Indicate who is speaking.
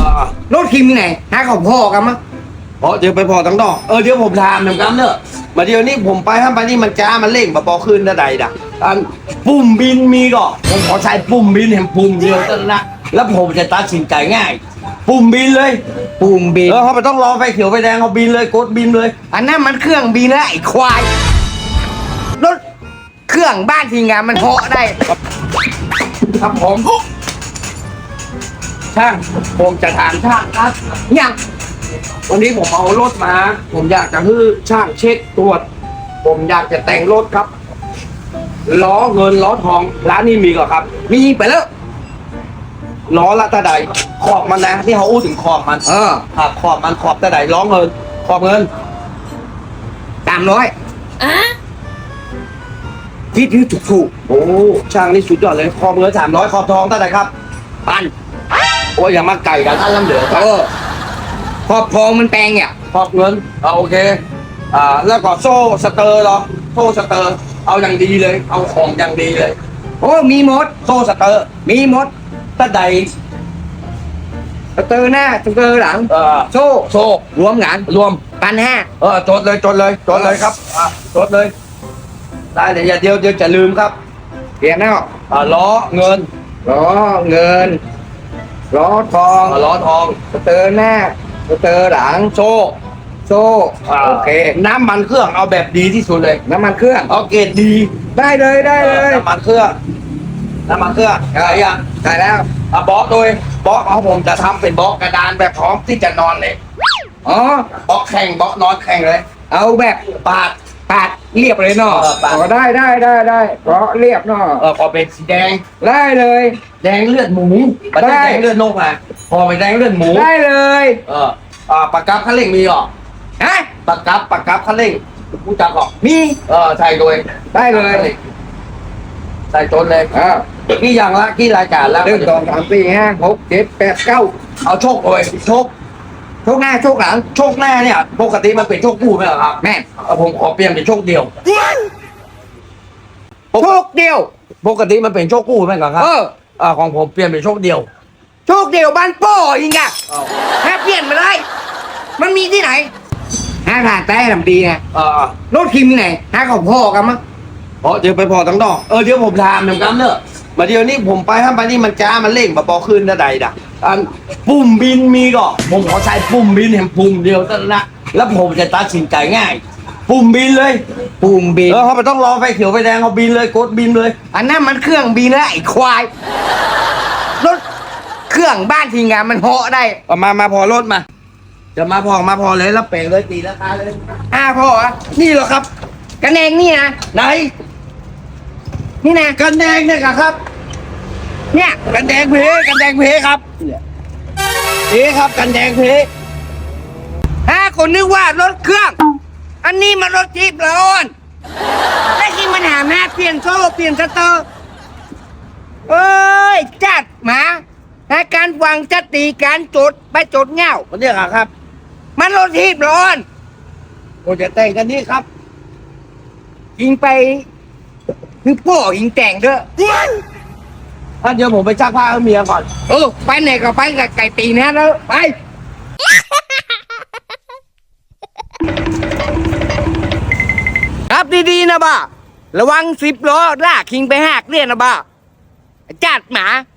Speaker 1: รถคิมที่ไหนหาของพ่อกันมั้ง
Speaker 2: เพราะเดี๋ยวไปพอทั้งดอกเดี๋ยวผมถามหนึ่งคำเนอะมาเดี๋ยวนี้ผมไปห้ามไปนี่มันจ้ามันเร่งมาปอขึ้นได้ใดด่ะอันปุ่มบินมีก่อนผมขอใช้ปุ่มบินเห็นปุ่มเดียวเท่านั้นนะแล้วผมจะตัดสินใจง่าย ปุ่มบินเลย
Speaker 1: ปุ่มบิน
Speaker 2: เขาไม่ต้องรอไฟเขียวไฟแดงเขาบินเลยกดบินเลย
Speaker 1: อันนั้นมันเครื่องบินแล้วไอ้ควายรถเครื่องบ้านทีงานมันเหาะได้
Speaker 2: ครับผมช่างผมจะถามช่างครับ
Speaker 1: ยัง
Speaker 2: วันนี้ผมเอารถมา ผมอยากจะให้ช่างเช็คตรวจ ผมอยากจะแต่งรถครับล้อเงินล้อทองร้านนี้มีก่อนครับ
Speaker 1: มีไปแล้ว
Speaker 2: ล้อละตาใดขอบมันนะที่เขาอู้ถึงขอบมัน ครับขอบมันขอบตาใดล้อเงินขอบเงิน
Speaker 1: คิดที่ถูก
Speaker 2: โอ้ช่างนี่สุดยอดเลยขอบเงิน300ขอบทองตาใดครับ
Speaker 1: ปัน
Speaker 2: โอ้ยอย่ามาไก่กันอันลำเหลือครับ
Speaker 1: ขอบทองมันแปลงเนี่ย
Speaker 2: ขอบเงินโอเคแล้วก็โซ่สเตอร์เหรอโซ่สเตอร์เอาอย่างดีเลย เอาของอย่างดีเลย
Speaker 1: โอ้มีหมด
Speaker 2: โซ่สเตอร์
Speaker 1: มีหมด
Speaker 2: ตาใด
Speaker 1: สเตอร์หน้าสเตอร์หลังโซ่
Speaker 2: โซ่
Speaker 1: รวมกัน
Speaker 2: รวม
Speaker 1: 1,500
Speaker 2: จดเลยครับจดเลยได้เลยอย่าเดียวจะลืมครับ
Speaker 1: เปลี่ยนแล้ว
Speaker 2: ล้อเงิน
Speaker 1: ล้อเงินล้อทอง
Speaker 2: ล้อทอง
Speaker 1: สเตอร์หน้าสเตอร์หลัง
Speaker 2: โซ่
Speaker 1: โซ่โอเค
Speaker 2: น้ำมันเครื่องเอาแบบดีที่สุดเลย
Speaker 1: น้ำมันเครื่อง
Speaker 2: เอาเกรดดี
Speaker 1: ได้เลยได้เลย
Speaker 2: น้ำมันเครื่องอะไรอย่าง
Speaker 1: ได้แล้ว
Speaker 2: บล็อกโดยบล็อกเอาผมจะทำเป็นบล็อกกระดานแบบพร้อมที่จะนอนเลย
Speaker 1: อ๋อบ
Speaker 2: ล็อกแข่งบล็อกนอนแข่งเลย
Speaker 1: เอาแบบ
Speaker 2: ปาด
Speaker 1: ปาดเรียบเลยเนาะ
Speaker 2: ปาด
Speaker 1: ได้เพราะเรียบเนาะ
Speaker 2: ขอเป็นสีแดง
Speaker 1: ได้เลย
Speaker 2: แดงเลือดหมูมันจะ
Speaker 1: ได้
Speaker 2: แดงเลือดนกมาพอเป็นแดงเลือดหมู
Speaker 1: ได้เลย
Speaker 2: ปากกับคันเร่งมีหรอ
Speaker 1: ฮะ
Speaker 2: ปากกับคันเร่งผู้จักหรอ
Speaker 1: มี
Speaker 2: ใช่ด้วย
Speaker 1: ได้เลย
Speaker 2: ใส่จนเลยกี่อย่างละกี่รายการแล้ว
Speaker 1: 1 2 3 4 5 6 7 8 9
Speaker 2: เอาโชคเลยโชค
Speaker 1: โชคหน้าโชคหลัง
Speaker 2: โชคแน่เนี่ยปกติมันเป็นโชคคู่ไหมเหรอครับ
Speaker 1: แม่
Speaker 2: ผมขอเปลี่ยนเป็นโชคเดียว
Speaker 1: โชคเดียว
Speaker 2: ปกติมันเป็นโชคคู่ไหมเหรอครับของผมเปลี่ยนเป็นโชคเดียว
Speaker 1: โชคเดียวบ้านโป้ยิงอะถ้าเปลี่ยนมาได้ มันมีที่ไหนหาผ่านแต่ทำดีไงรถคิมที่ไหนหาของพ่อกันมั้ง
Speaker 2: เดี๋ยวไปพอทั้งดอกเดี๋ยวผมถามหนึ่งคำเนอะมาเดี๋ยวนี้ผมไปห้ามไปนี่มันจ้ามันเร่งมาปอขึ้นได้ใดด่ะอันปุ่มบินมีก่อนผมขอใช้ปุ่มบินเห็นปุ่มเดียวเท่านั้นนะแล้วผมจะตัดสินใจง่าย ปุ่มบินเลย
Speaker 1: ปุ่มบิน
Speaker 2: เขาไม่ต้องรอไฟเขียวไฟแดงเขาบินเลยกดบินเลย
Speaker 1: อันนั้นมันเครื่องบินแล้วไอ้ควายรถเครื่องบ้านทีงานมันเหาะได้
Speaker 2: มาพอรถมา จะมาพอเลยแล้วเปลงเลยตีราคาเลย
Speaker 1: พ่ออะ
Speaker 2: นี่เหรอครับ
Speaker 1: กันเองนี่นะ
Speaker 2: ไหน
Speaker 1: นี่นะ
Speaker 2: กันแดงเนี่ยครับ
Speaker 1: เนี่ย
Speaker 2: กันแดงเพครับครับกันแดงเพ
Speaker 1: คนนึกว่ารถเครื่อง อันนี้มันรถทิพย์ร้อนแล้วที่มันหาแม่เปลี่ยนโซ่เปลี่ยนสเตอร์เอ้ยจัดหมาถ้าการฟังจะตีการจดไปจดเงา
Speaker 2: มันเนี่ยครับ
Speaker 1: มันรถทิพย์ร้อน
Speaker 2: ผมจะแต่งกันนี่ครับ
Speaker 1: ยิงไปคือพ่อยิงแต่งเด้อ
Speaker 2: เดี๋ยวผมไปซักผ้าให้เมียก่อน
Speaker 1: ไปไหนก็ไปกับไก่ตีนะแล้วไป ครับดีๆนะบ้าระวัง10 ล้อลากคิงไปหักเรียนนะบ้าจัดหมา